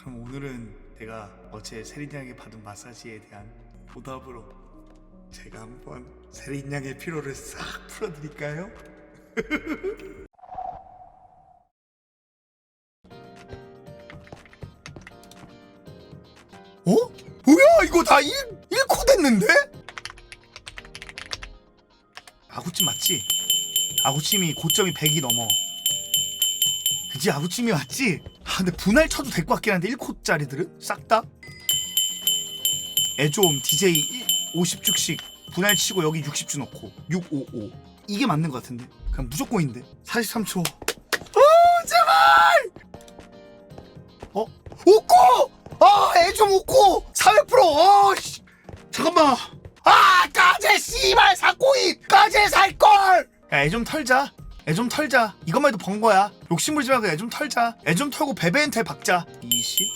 그럼 오늘은 내가 어제 세린 양에게 받은 마사지에 대한 보답으로 제가 한번 세린 양의 피로를 싹 풀어드릴까요? 어? 뭐야 이거 다 1코 됐는데? 아구찜 맞지? 아구찜이 고점이 100이 넘어. 그치 아구찜이 맞지? 아 근데 분할 쳐도 될 것 같긴 한데 1코짜리들은? 싹 다? 애좀 DJ 50주씩 분할 치고 여기 60주 넣고 655 이게 맞는 것 같은데 그냥 무조건인데 43초 제발 5코! 애좀 5코! 400%! 씨. 잠깐만 까제 씨발 사코이! 까제 살걸! 야 애 좀 털자 애 좀 털자 이것만 해도 번 거야 욕심 부리지 말고 애 좀 털자 애 좀 털고 베베한테 박자 20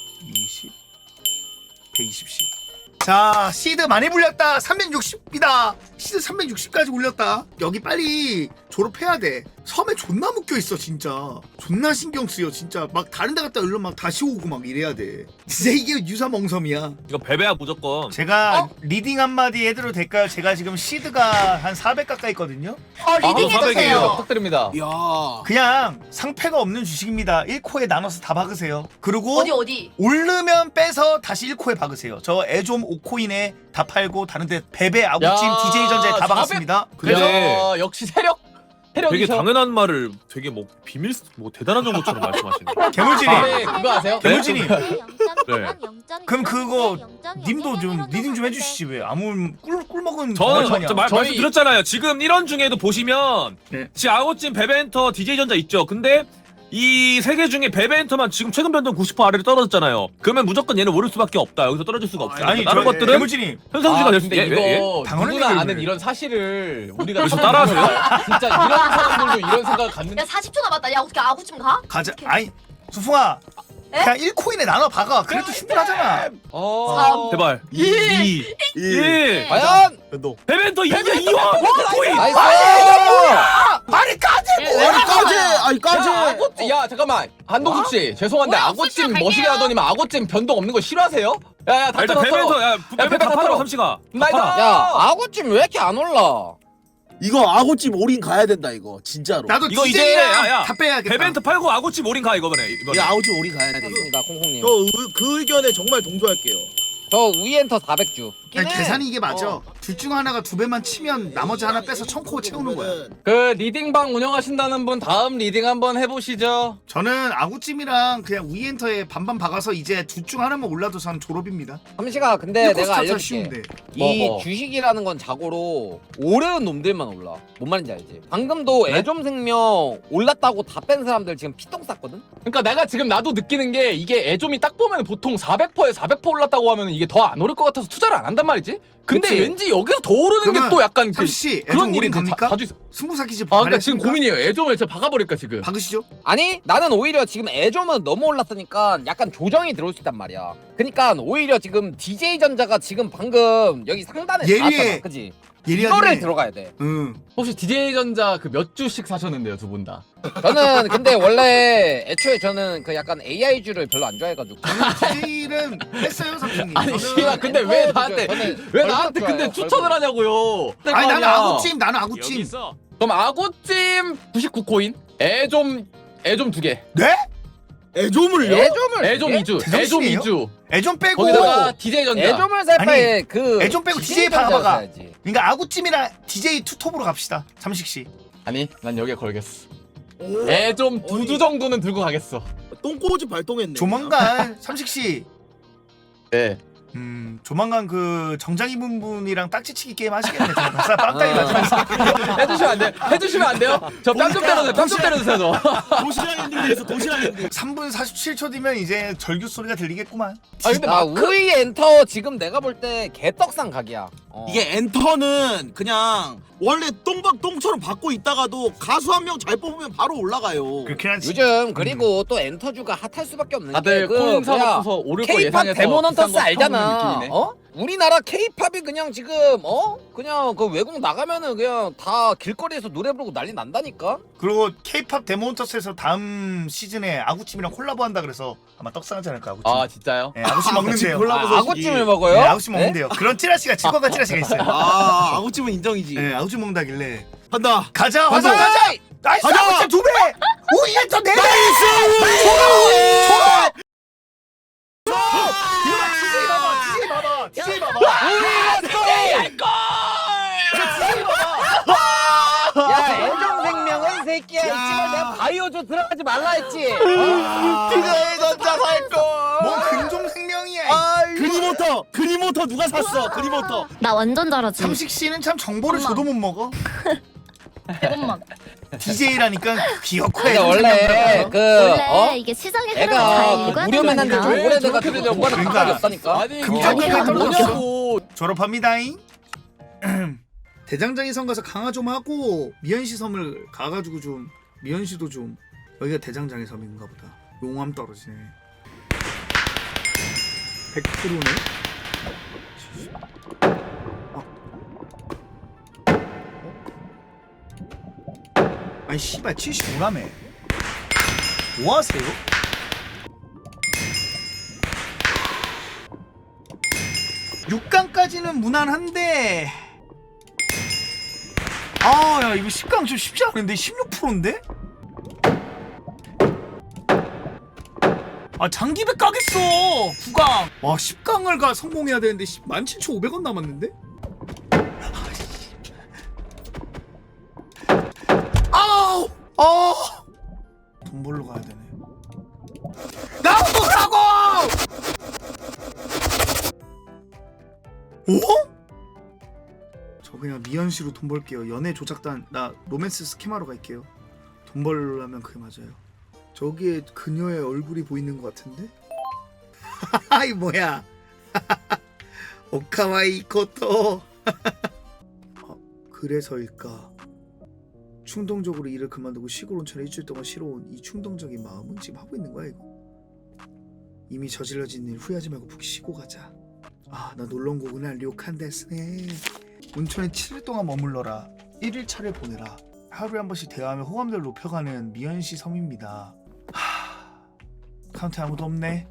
120씩 자 시드 많이 불렸다 360이다 시드 360까지 올렸다 여기 빨리 졸업해야 돼 섬에 존나 묶여있어 진짜 존나 신경 쓰여 진짜 막 다른 데 갔다 얼른 막 다시 오고 막 이래야 돼 진짜 이게 유사멍섬이야 이거 베베야 무조건. 제가 리딩 한마디 해드려도 될까요? 제가 지금 시드가 한 400 가까이 있거든요 리딩 해주세요. 부탁드립니다. 야, 그냥 상패가 없는 주식입니다 1코에 나눠서 다 박으세요 그리고 어디? 오르면 빼서 다시 1코에 박으세요 저 애좀 5코인에 다 팔고 다른데 베베 아구찜 야, DJ전자에 다 400? 박았습니다 근데 야, 역시 세력. 되게 세력이셔. 당연한 말을 되게 뭐 비밀 뭐 대단한 정보처럼 말씀하시네. 개물진이 네, 그거 아세요? 개물진이 네. 그럼 그거 님도 좀 리딩 좀 해주시지 왜 아무 꿀 먹은 저는 거만이야. 저 말씀드렸잖아요. 지금 1원 중에도 보시면 네. 지금 아웃진 베베엔터 DJ전자 있죠. 근데 이 세 개 중에 베베엔터만 지금 최근 변동 90% 아래로 떨어졌잖아요. 그러면 무조건 얘는 오를 수밖에 없다. 여기서 떨어질 수가 없어요. 아니 다른 저 것들은 개물진이 현상주가 될 수 근데 있는데 이거 당연한 누구나 얘기를 아는 왜. 이런 사실을 우리가 여기서 따라하세요? 진짜 이런 사람들도 이런 생각을 갖는. 야 40초 남았다. 야 어떻게 아구찜 가? 가자 아니 수풍아 에? 그냥 1코인에 나눠 박아 그래도 충분하잖아 제발 2 1 과연 너 베베엔터 2원 코인. 나이스. 아니 까지 아니 까지. 야, 아고찜. 야 잠깐만 한동숙 씨 죄송한데 뭐야, 아고찜 숫자 멋있게 갈게요. 하더니만 아고찜 변동 없는 거 싫어하세요? 야야 다 일단 털었어. 베베엔터 야 베베 베베 다 다 팔아 털어. 삼시가. 나이스. 야 아구찜 왜 이렇게 안 올라? 이거 아고찜 올인 가야 된다 이거 진짜로. 나도 이거 이제 DJ랑 야, 다 빼야겠다 베베엔터 팔고 아고치 모린 가 이거네. 이거 이번에. 아고찜 올인 가야 돼. 알겠습니다 콩콩님. 그 의견에 정말 동조할게요. 저 위엔터 400주. 아니, 계산이 이게 맞아 둘 중 하나가 2배만 치면 나머지 하나 빼서 1000코 채우는 거야 그 리딩방 운영하신다는 분 다음 리딩 한번 해보시죠. 저는 아구찜이랑 그냥 위엔터에 반반 박아서 이제 둘 중 하나만 올라도 저는 졸업입니다 삼시가 근데 내가 알려줄게. 쉬운데 이 뭐. 주식이라는 건 자고로 오르는 놈들만 올라. 뭔 말인지 알지? 방금도 네? 애좀생명 올랐다고 다 뺀 사람들 지금 피똥 쌌거든? 그러니까 내가 지금 나도 느끼는 게 이게 애좀이 딱 보면 보통 400%에 400% 올랐다고 하면 이게 더 안 오를 것 같아서 투자를 안 한단 말이지. 근데 그치. 왠지 여기서 더 오르는 게 그러면 또 약간 그 삼시 그런 애좀 일이 올인 갑니까? 자주 있어. 승부사기 집 아 그러니까 지금 고민이에요. 애좀을 진짜 박아버릴까 지금. 박으시죠? 아니 나는 오히려 지금 애좀은 너무 올랐으니까 약간 조정이 들어올 수 있단 말이야. 그러니까 오히려 지금 DJ전자가 지금 방금 여기 상단에 예리해. 나왔잖아. 그지? 예리하네 이거를 들어가야 돼. 응 혹시 DJ전자 그 몇 주씩 사셨는데요 두 분 다? 저는 근데 원래 애초에 저는 그 약간 AI주를 별로 안 좋아해가지고 DJ는 뺐어요 삼촌님 아니 저는- 씨발 근데 왜 엔터도 나한테 좋아해요. 저는 왜 얼굴 나한테 근데 좋아해요, 추천을 얼굴. 하냐고요? 아니 나는 아니야. 아구찜 나는 아구찜 그럼 아고찜 99코인 애좀 2개 네? 애좀을요? 애좀을 애좀 2주 애좀 제정신이에요? 2주 애좀 빼고 거기다가 DJ전자 애좀을 살 아니, 바에 그 애좀 빼고 DJ 박아봐가 그러니까 아구찜이랑 DJ 투톱으로 갑시다 삼식씨 아니 난 여기에 걸겠어 애좀 2주 정도는 들고 가겠어 똥꼬지 발동했네. 조만간 삼식씨 네 조만간 그 정장 입은 분이랑 딱지치기 게임 하시겠네 저 빵따기 맞으면서 해주시면 안 돼요? 해주시면 안 돼요? 저 뺨 좀 때려주세요 뺨 좀 때려주세요 저 도시락 엔딩에서 도시락 엔딩. 3분 47초 뒤면 이제 절규 소리가 들리겠구만 아 근데 나 마크 우이 엔터 지금 내가 볼 때 개떡상 각이야. 이게 엔터는 그냥 원래 똥처럼 받고 있다가도 가수 한 명 잘 뽑으면 바로 올라가요. 그렇긴 하지 요즘 그리고 또 엔터주가 핫할 수밖에 없는 다들 게 코인 뭐야, 사놓고서 오를 거 K-팝 예상해서 데몬 비싼 헌터스 거 사오는 알잖아. 느낌이네. 어? 우리나라 케이팝이 그냥 지금 그냥 그 외국 나가면은 그냥 다 길거리에서 노래 부르고 난리 난다니까. 그리고 K-팝 데모헌터스에서 다음 시즌에 아구찜이랑 콜라보한다 그래서 아마 떡상하지 않을까 아구찜. 아 진짜요? 네, 아구찜 먹는데요. 콜라보 아, 아구찜을 먹어요? 네, 아구찜 먹는데요. 그런 찌라시가 치과가 찌라시가 있어요. 아 아구찜은 인정이지. 네, 아구찜 먹는다길래 한다. 가자 화성 가자! 가자. 나이스 가자! 아구찜 2배. 오 이게 더 4배. DJ 봐봐. 야 애정생명은 새끼야. 이집을 내가 바이오조 들어가지 말라 했지. DJ 전자 살 거. 뭐 근종생명이야. 그리모터 누가 샀어? 그리모터. 나 완전 잘하지. 삼식 씨는 참 정보를 줘도 못 먹어. 100원만. DJ라니까 귀엽고 근데 애정 원래 생명이라서. 그 원래 이게 시장의 흐름을 잘 애가 읽어야 그 무료만 한데 된다니까. 좀 오래돼가 저렇게 들으려고 되냐고. 하는 그러니까. 생각이 없다니까. 아니 금전이 이게 떨어졌어. 뭐냐고. 졸업합니다잉. 대장장이 섬 가서 강화 좀 하고 미연시 섬을 가가지고 좀 미연시도 좀 여기가 대장장이 섬인가 보다. 용암 떨어지네. 100%네. 아니 씨발 75라며. 뭐하세요? 육강까지는 무난한데 야 이거 10강 좀 쉽지 않은데 16%인데? 장기백 가겠어 9강. 와 10강을 가 성공해야 되는데 17,500원 남았는데? 아우 돈 벌러 가야 되네. 나오라고! 어? 저 그냥 미연씨로 돈 벌게요. 연애 조작단 나 로맨스 스키마로 갈게요. 돈 벌려면 그게 맞아요. 저기에 그녀의 얼굴이 보이는 것 같은데? 하하이 뭐야? 오카와이 코토. 그래서일까? 충동적으로 일을 그만두고 시골 온천에 일주일 동안 쉬러 온 이 충동적인 마음은 지금 하고 있는 거야 이거? 이미 저질러진 일 후회하지 말고 푹 쉬고 가자. 나 놀러 온 거구나. 료칸데스네. 온천에 7일 동안 머물러라. 1일차를 보내라. 하루에 한 번씩 대화하며 호감도를 높여가는 미연시 섬입니다. 카운트에 아무도 없네.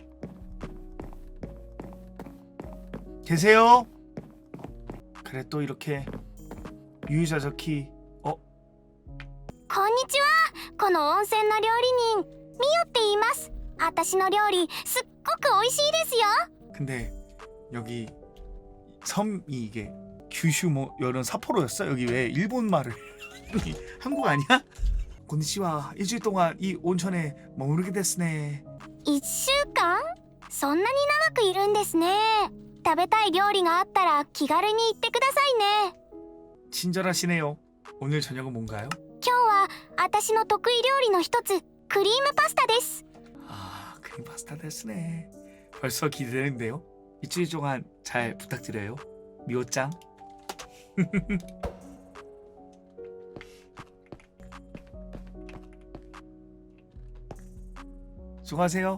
계세요? 그래 또 이렇게 유유자 적히 こんにちは。この温泉の料理人ミオって言います。私の料理すっごく美味しいですよ。 근데 여기 섬이 이게 규슈 뭐 이런 사포로였어? 여기 왜 일본 말을 한국 아니야? 곤니치와 일주일 동안 이 온천에 머무르게 됐으네. 1週間？そんなに長くいるんですね。食べたい料理があったら気軽に言ってくださいね。 친절하시네요. 오늘 저녁은 뭔가요? 今日は私の得意料理の一つクリームパスタです。 크림 파스타 됐으네. 벌써 기대되는데요. 일주일 동안 잘 부탁드려요. 미호짱. 수고하세요.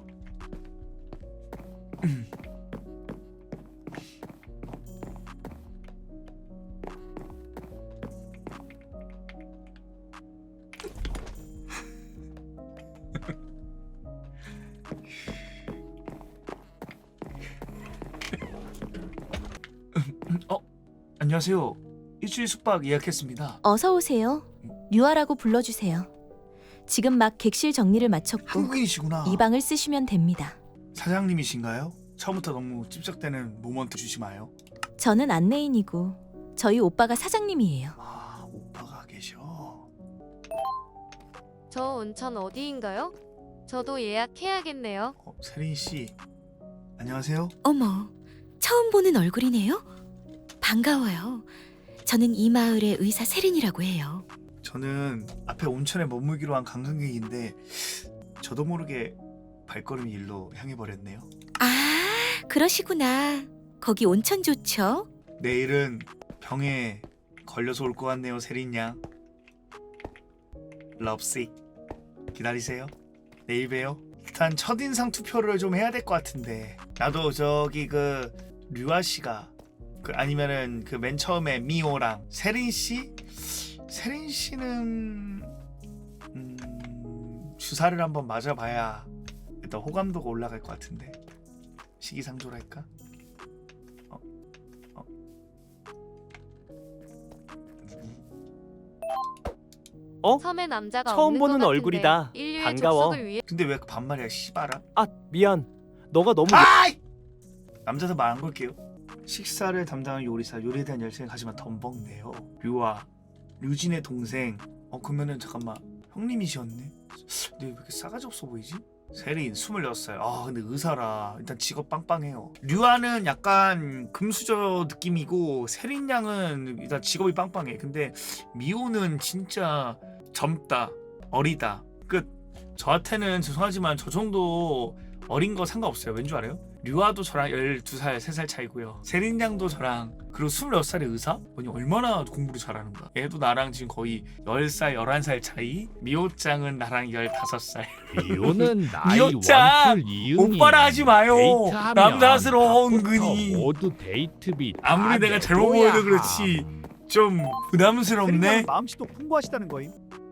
안녕하세요. 일주일 숙박 예약했습니다. 어서 오세요. 류아라고 불러주세요. 지금 막 객실 정리를 마쳤고 한국인이시구나. 이 방을 쓰시면 됩니다. 사장님이신가요? 처음부터 너무 찝쩍대는 모먼트 주지 마요. 저는 안내인이고 저희 오빠가 사장님이에요. 오빠가 계셔. 저 온천 어디인가요? 저도 예약해야겠네요. 세린 씨. 안녕하세요. 어머, 처음 보는 얼굴이네요. 반가워요. 저는 이 마을의 의사 세린이라고 해요. 저는 앞에 온천에 머물기로 한 관광객인데 저도 모르게 발걸음이 일로 향해 버렸네요. 아, 그러시구나. 거기 온천 좋죠? 내일은 병에 걸려서 올 것 같네요, 세린 양. 럽식 기다리세요. 내일 봬요. 일단 첫인상 투표를 좀 해야 될 것 같은데 나도 저기 그 류아 씨가 아니면은 그 맨 처음에 미호랑 세린 씨? 세린 씨는 주사를 한번 맞아봐야 일단 호감도가 올라갈 것 같은데 시기상조랄까? 섬에 남자가 처음 없는 보는 것 얼굴이다. 같은데 인류의 반가워. 접속을 위해 근데 왜 반말이야 씨발아? 아 미안. 너가 너무 아이! 남자도 말 안 걸게요. 식사를 담당한 요리사, 요리에 대한 열정이 하지만 덤벙네요. 류아, 류진의 동생. 그러면은 잠깐만 형님이셨네. 근데 왜 이렇게 싸가지 없어 보이지? 세린 26살. 근데 의사라. 일단 직업 빵빵해요. 류아는 약간 금수저 느낌이고 세린 양은 일단 직업이 빵빵해. 근데 미호는 진짜 젊다, 어리다. 저한테는 죄송하지만 저 정도 어린 거 상관없어요. 왠 줄 알아요? 류아도 저랑 12살, 3살 차이고요. 세린 양도 저랑, 그리고 26살의 의사? 아니 얼마나 공부를 잘하는 거야. 얘도 나랑 지금 거의 10살, 11살 차이. 미호짱은 나랑 15살. 미호는 나이 미호짱! 원풀 이응이 오빠라 하지 마요. 데이트하면 남사스러워 밥부터 은근히. 모두 데이트비 아무리 내가 잘못 보여도 그렇지 좀 부담스럽네. 마음씨도 풍부하시다는 거임.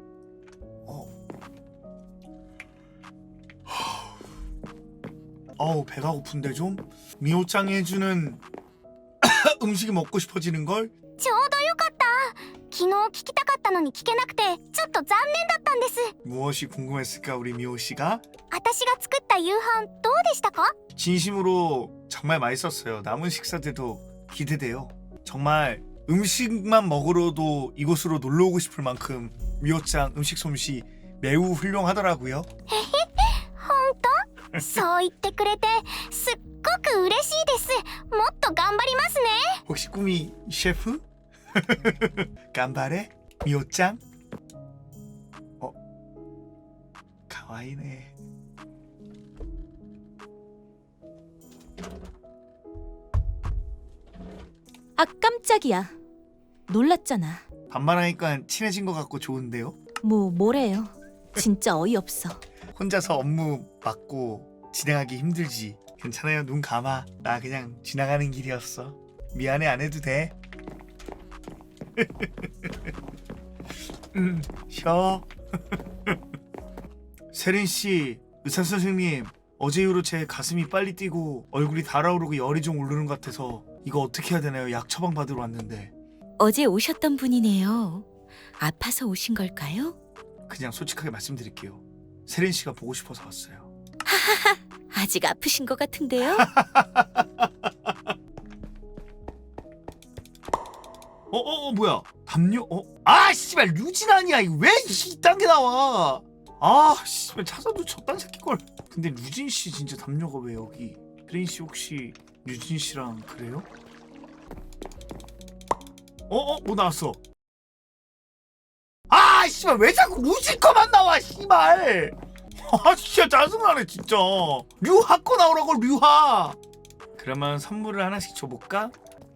배가 고픈데 좀? 미호짱이 해주는 음식이 먹고 싶어지는 걸? ちょうどよかった昨日聞きたかったのに聞けなくてちょっと残念だったんです 무엇이 궁금했을까 우리 미호씨가? 私が作った夕飯どうでしたか 진심으로 정말 맛있었어요. 남은 식사들도 기대돼요. 정말 음식만 먹으러도 이곳으로 놀러 오고 싶을 만큼 미호짱 음식 솜씨 매우 훌륭하더라고요. 本当そう言ってくれてすっごく嬉しいですもっと頑張りますね 혹시 꿈이 셰프? 간바레? 미호짱? 가와이네. 아 깜짝이야. 놀랐잖아. 반말하니까 친해진 것 같고 좋은데요? 뭐래요. 진짜 어이없어. 혼자서 업무 맡고 진행하기 힘들지. 괜찮아요. 눈 감아. 나 그냥 지나가는 길이었어. 미안해. 안 해도 돼. 쉬어. 세린씨, 의사선생님, 어제 이후로 제 가슴이 빨리 뛰고 얼굴이 달아오르고 열이 좀 오르는 것 같아서 이거 어떻게 해야 되나요? 약 처방 받으러 왔는데. 어제 오셨던 분이네요. 아파서 오신 걸까요? 그냥 솔직하게 말씀드릴게요. 세린씨가 보고 싶어서 왔어요. 아직 아프신 것 같은데요? 뭐야? 담요? 씨발 류진 아니야. 이거 왜 이딴 게 나와? 씨발 찾아도 저딴 새끼걸. 근데 류진 씨 진짜 담요가 왜 여기? 세린 씨 혹시 류진 씨랑 그래요? 뭐 나왔어? 씨발 왜 자꾸 류진 거만 나와 씨발. 진짜 짜증나네 진짜. 류하 거 나오라고 류하. 그러면 선물을 하나씩 줘볼까?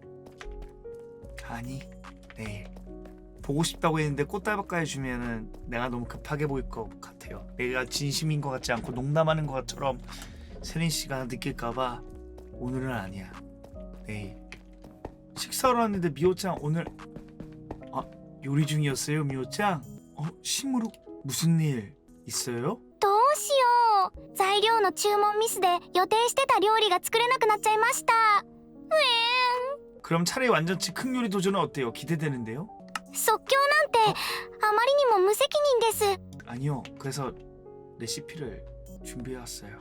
아니 내일 보고 싶다고 했는데 꽃다발까지 주면은 내가 너무 급하게 보일 것 같아요. 내가 진심인 것 같지 않고 농담하는 것처럼 세린 씨가 느낄까봐 오늘은 아니야. 내일 식사로 왔는데 미호짱 오늘 요리 중이었어요 미호짱? 심으로 무슨 일 있어요? どうしよう材料の注文ミスで予定してた料理が作れなくなっちゃいましたうえ 그럼 차라리 완전치 큰 요리 도전은 어때요? 기대되는데요? 即興なんてあまりにも無責任です 아니요. 그래서 레시피를 준비해왔어요.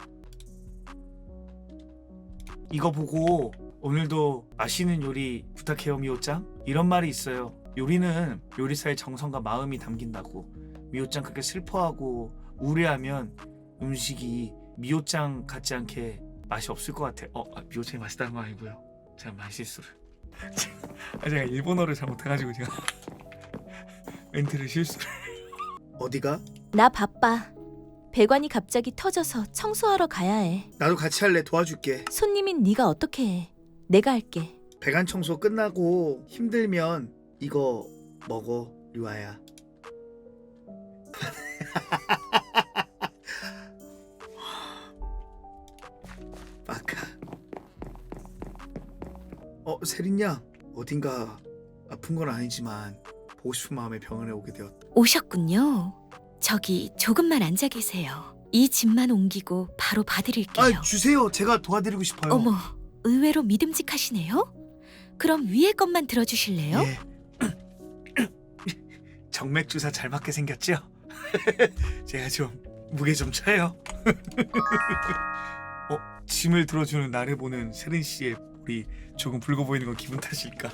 이거 보고 오늘도 맛있는 요리 부탁해요 미호짱. 이런 말이 있어요. 요리는 요리사의 정성과 마음이 담긴다고. 미호짱 그렇게 슬퍼하고 우울해하면 음식이 미호짱 같지 않게 맛이 없을 것 같아. 미호짱이 맛있다는 건 아니고요. 제가 말실수를. 제가 일본어를 잘못해가지고 제가 멘트를 실수를. 어디가? 나 바빠. 배관이 갑자기 터져서 청소하러 가야 해. 나도 같이 할래. 도와줄게. 손님인 네가 어떻게 해. 내가 할게. 배관 청소 끝나고 힘들면 이거 먹어 류아야. 빠카. 세린양 어딘가 아픈 건 아니지만 보고 싶은 마음에 병원에 오게 되었다. 오셨군요. 저기 조금만 앉아 계세요. 이 짐만 옮기고 바로 봐드릴게요. 주세요. 제가 도와드리고 싶어요. 어머, 의외로 믿음직하시네요. 그럼 위에 것만 들어주실래요? 예. 정맥 주사 잘 맞게 생겼죠? 제가 좀 무게 좀 쳐요. 짐을 들어주는 나를 보는 세린 씨의 볼이 조금 붉어 보이는 건 기분 탓일까?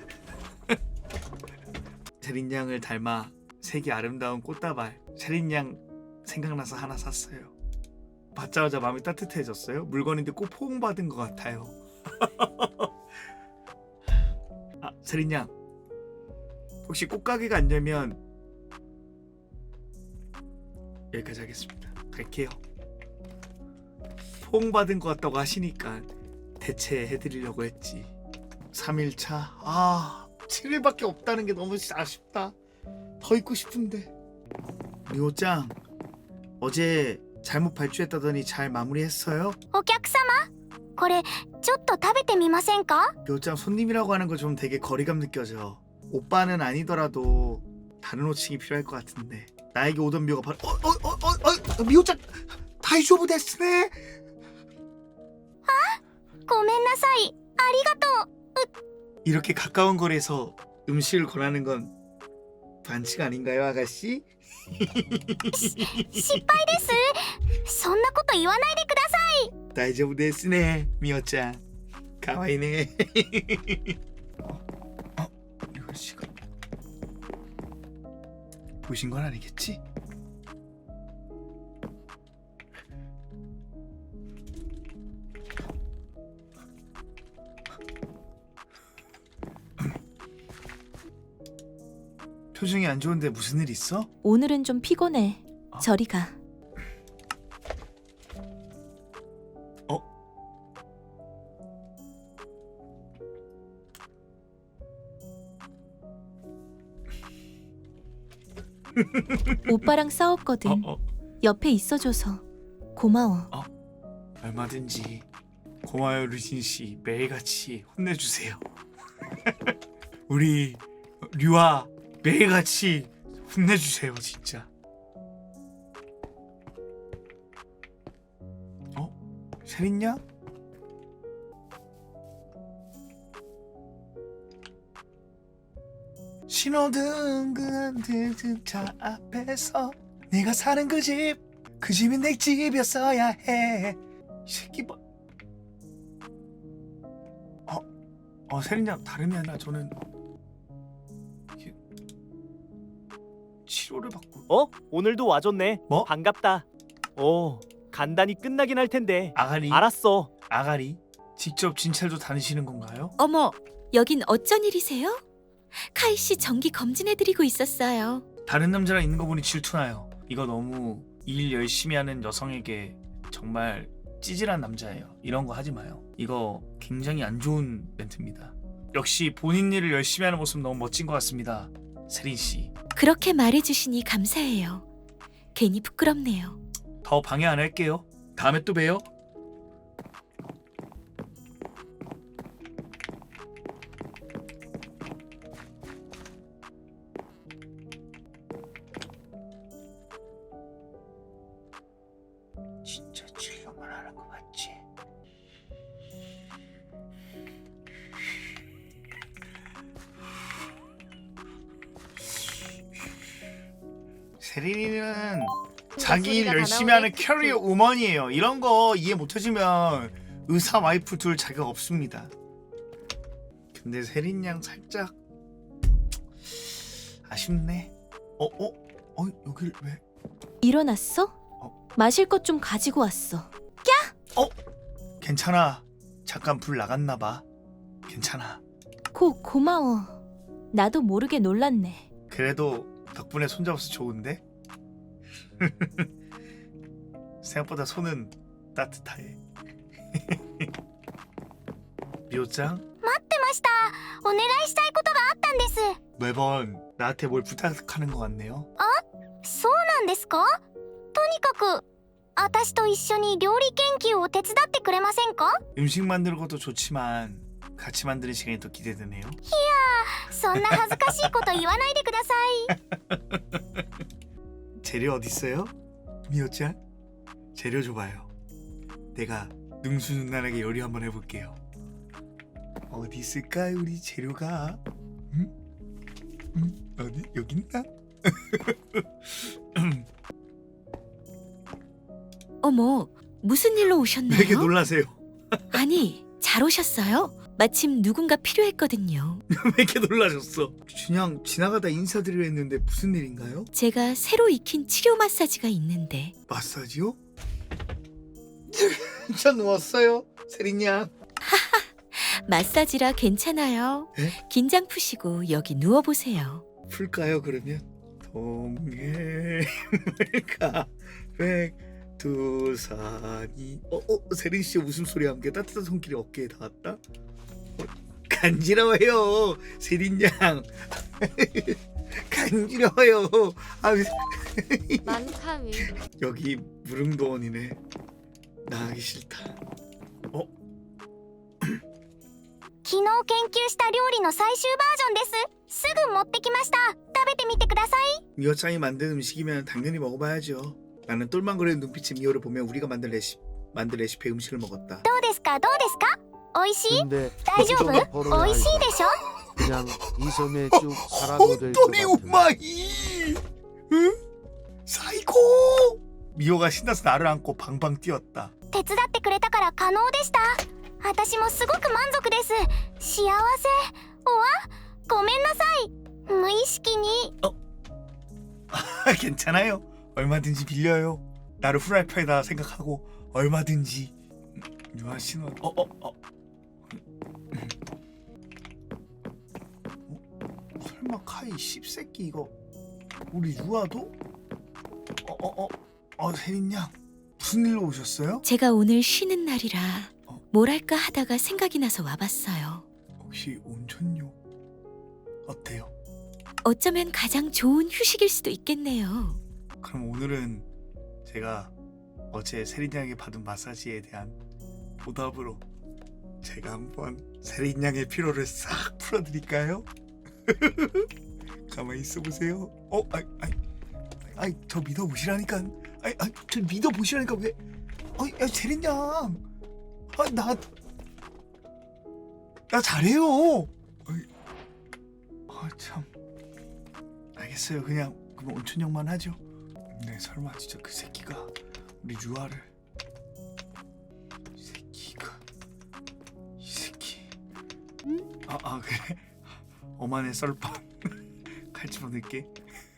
세린 양을 닮아 색이 아름다운 꽃다발. 세린 양 생각나서 하나 샀어요. 받자마자 마음이 따뜻해졌어요. 물건인데 꼭 포옹받은 것 같아요. 세린 양 혹시 꽃가게가 안 되면 여기까지 하겠습니다. 갈게요. 포옹받은 것 같다고 하시니까 대체해드리려고 했지. 3일차 7일밖에 없다는 게 너무 아쉽다. 더 있고 싶은데. 미호짱 어제 잘못 발주했다더니 잘 마무리했어요? お客様これちょっと食べてみませんか 미호짱 손님이라고 하는 거 좀 되게 거리감 느껴져. 오빠는 아니더라도 다른 호칭이 필요할 것 같은데. 나에게 오던 미호가 바로 미호짱 다이조부 데스네. ごめんなさいありがとう 이렇게 가까운 거리에서 음식을 권하는 건 반칙 아닌가요, 아가씨? 失敗ですそんなこと言わないでください 다이조부 데스네, 미호짱. 가와이네. 이거 시간 보신 건 아니겠지? 표정이 안 좋은데 무슨 일 있어? 오늘은 좀 피곤해. 저리 가. 오빠랑 싸웠거든. 옆에 있어줘서 고마워. 얼마든지 고마워요, 루진 씨. 매일같이 혼내주세요. 우리 류아 매일같이 혼내주세요, 진짜. 세린냐? 신호등 차 앞에서 네가 사는 그 집이 내 집이었어야 해. 이 새끼 뭐? 세린양 다름이 아니라 저는 치료를 받고. 오늘도 와줬네. 뭐? 반갑다. 간단히 끝나긴 할 텐데. 아가리. 알았어. 아가리 직접 진찰도 다니시는 건가요? 어머, 여긴 어쩐 일이세요? 카이 씨 정기 검진해드리고 있었어요. 다른 남자랑 있는 거 보니 질투나요. 이거 너무 일 열심히 하는 여성에게 정말 찌질한 남자예요. 이런 거 하지 마요. 이거 굉장히 안 좋은 멘트입니다. 역시 본인 일을 열심히 하는 모습 너무 멋진 것 같습니다, 세린 씨. 그렇게 말해주시니 감사해요. 괜히 부끄럽네요. 더 방해 안 할게요. 다음에 또 봬요. 진짜 진료만 하는 거 맞지? 세린이는 자기 일 열심히 하는 캐리어 우먼이에요. 이런 거 이해 못해주면 의사 와이프 둘 자격 없습니다. 근데 세린 양 살짝 아쉽네. 여길 왜? 일어났어? 마실 것 좀 가지고 왔어. 괜찮아. 잠깐 불 나갔나 봐. 괜찮아. 고마워. 나도 모르게 놀랐네. 그래도 덕분에 손잡아서 좋은데? 생각보다 손은 따뜻해. 미호짱? 待ってましたお願いしたいことがあったんです 매번 나한테 뭘 부탁하는 것 같네요. そうなんですかとにかく私と一緒に料理研究を手伝ってくれませんか 음식 만드는 것도 좋지만 같이 만드는 시간이 또 기대되네요. そんな恥ずかしいこと言わないでください。 재료 어디 있어요? 미호짱? 재료 줘봐요. 내가 능수능란하게 요리 한번 해볼게요. 어디 있을까요 우리 재료가? 어디 여기 있나? 어머, 무슨 일로 오셨나요? 되게 놀라세요. 아니, 잘 오셨어요? 마침 누군가 필요했거든요. 왜 이렇게 놀라셨어? 그냥 지나가다 인사드리려 했는데 무슨 일인가요? 제가 새로 익힌 치료 마사지가 있는데 마사지요? 저 누웠어요, 세린양. 마사지라 괜찮아요. 에? 긴장 푸시고 여기 누워보세요. 풀까요 그러면? 동해물가 백두산이 세린 씨 웃음소리와 함께 따뜻한 손길이 어깨에 닿았다. 간지러워요 세린 양. 간지러워요. 만카미. 여기 무릉도원이네. 나가기 싫다. 昨日研究した料理の最終バージョンです。すぐ持ってきました。食べてみてください。 미호짱이 만든 음식이면 당연히 먹어봐야죠. 나는 똘망거리는 눈빛의 미호를 보며 우리가 만든 레시피의 음식을 먹었다. どうですかどうですか。美味しい？ 근데 大丈夫？美味しいでしょ。 그냥 이 섬에 쭉 살아도 될 것 헛돌이 같은. 우마이. 응? 사이코. 미호가 신나서 나를 안고 방방 뛰었다. 手伝ってくれたから可能でした。私もすごく満足です。幸せ。おわ？ごめんなさい。無意識に。 괜찮아요. 얼마든지 빌려요. 나를 후라이팬에다 생각하고 얼마든지. 유아 신호. 설마 카이 씹새끼 이거 우리 유아도? 세린 양 무슨 일로 오셨어요? 제가 오늘 쉬는 날이라 뭘 할까 하다가 생각이 나서 와봤어요. 혹시 온천욕 어때요? 어쩌면 가장 좋은 휴식일 수도 있겠네요. 그럼 오늘은 제가 어제 세린 양에게 받은 마사지에 대한 보답으로 제가 한번 세린 양의 피로를 싹 풀어드릴까요? 가만히 있어보세요. 저 믿어보시라니까. 저 믿어보시라니까 왜? 세린 양, 나 잘해요. 참. 알겠어요. 그럼 온천욕만 하죠. 네, 설마 진짜 그 새끼가 우리 유아를. 이 새끼. 그래. 어만의 썰빵. 칼집어 넣을게.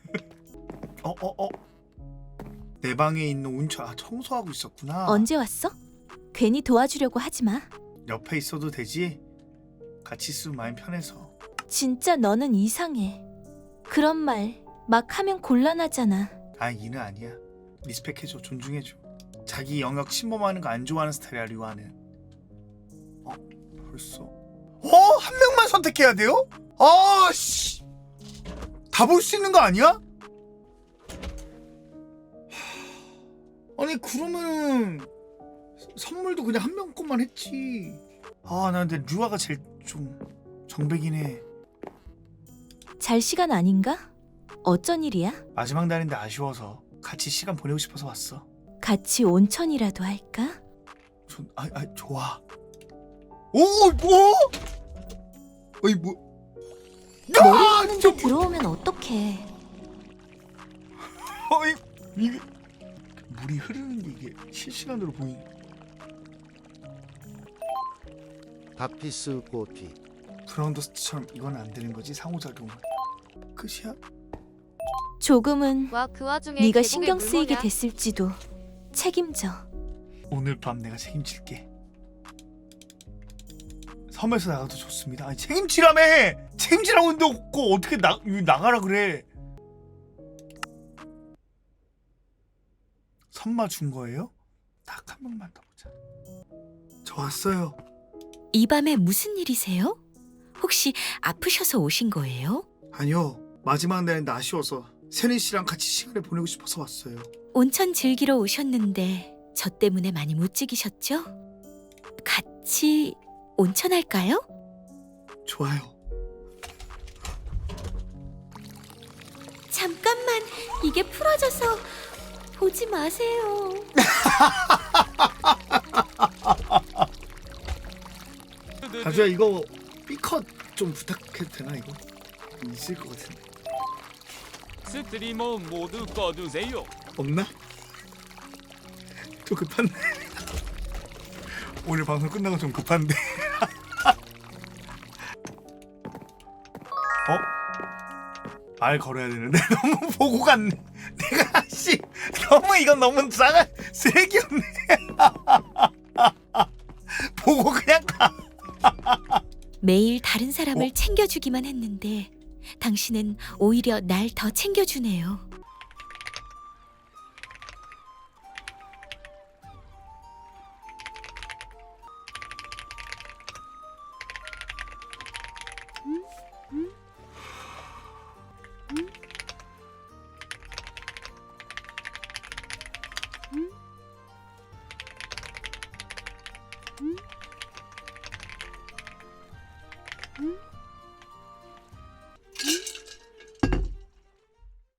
내 방에 있는 온천 청소하고 있었구나. 언제 왔어? 괜히 도와주려고 하지 마. 옆에 있어도 되지? 같이 있으면 마음 편해서. 진짜 너는 이상해. 그런 말 막 하면 곤란하잖아. 이는 아니야. 리스펙해줘, 존중해줘. 자기 영역 침범하는 거 안 좋아하는 스타일이야, 류아는. 벌써. 한 명만 선택해야 돼요? 씨. 다 볼 수 있는 거 아니야? 아니 그러면은 선물도 그냥 한 명 것만 했지. 나 근데 류아가 제일 좀 정백이긴 해. 잘 시간 아닌가? 어쩐 일이야? 마지막 날인데 아쉬워서 같이 시간 보내고 싶어서 왔어. 같이 온천이라도 할까? 좋아. 뭐? 머리 푸는데 들어오면 어떡해. 이게 물이 흐르는 게 이게 실시간으로 보이네. 다피스 꼬티. 브라운더스트처럼 이건 안 되는 거지, 상호작용은. 끝이야? 조금은 와 그 와중에 네가 계곡에 신경 물 쓰이게 뭐냐? 됐을지도. 책임져. 오늘 밤 내가 책임질게. 섬에서 나가도 좋습니다. 책임지라며! 책임지라고 했는데 없고 어떻게 나가라 그래. 선마 준 거예요? 딱 한 번만 더 보자. 저 왔어요. 이 밤에 무슨 일이세요? 혹시 아프셔서 오신 거예요? 아니요. 마지막 날인데 아쉬워서 세린 씨랑 같이 시간을 보내고 싶어서 왔어요. 온천 즐기러 오셨는데 저 때문에 많이 못 즐기셨죠? 같이 온천할까요? 좋아요. 잠깐만, 이게 풀어져서 보지 마세요. 가수야 이거 B컷 좀 부탁해도 되나 이거? 있을 것 같은데. 스트리머 모두 꺼주세요. 없나? 좀 급한데. 오늘 방송 끝나고 좀 급한데. 말 걸어야 되는데 너무 보고 갔네. 내가 씨 너무 이건 너무 싸가 쓰레기였네. 보고 그냥 가. 매일 다른 사람을 챙겨주기만 했는데 당신은 오히려 날 더 챙겨주네요. 음?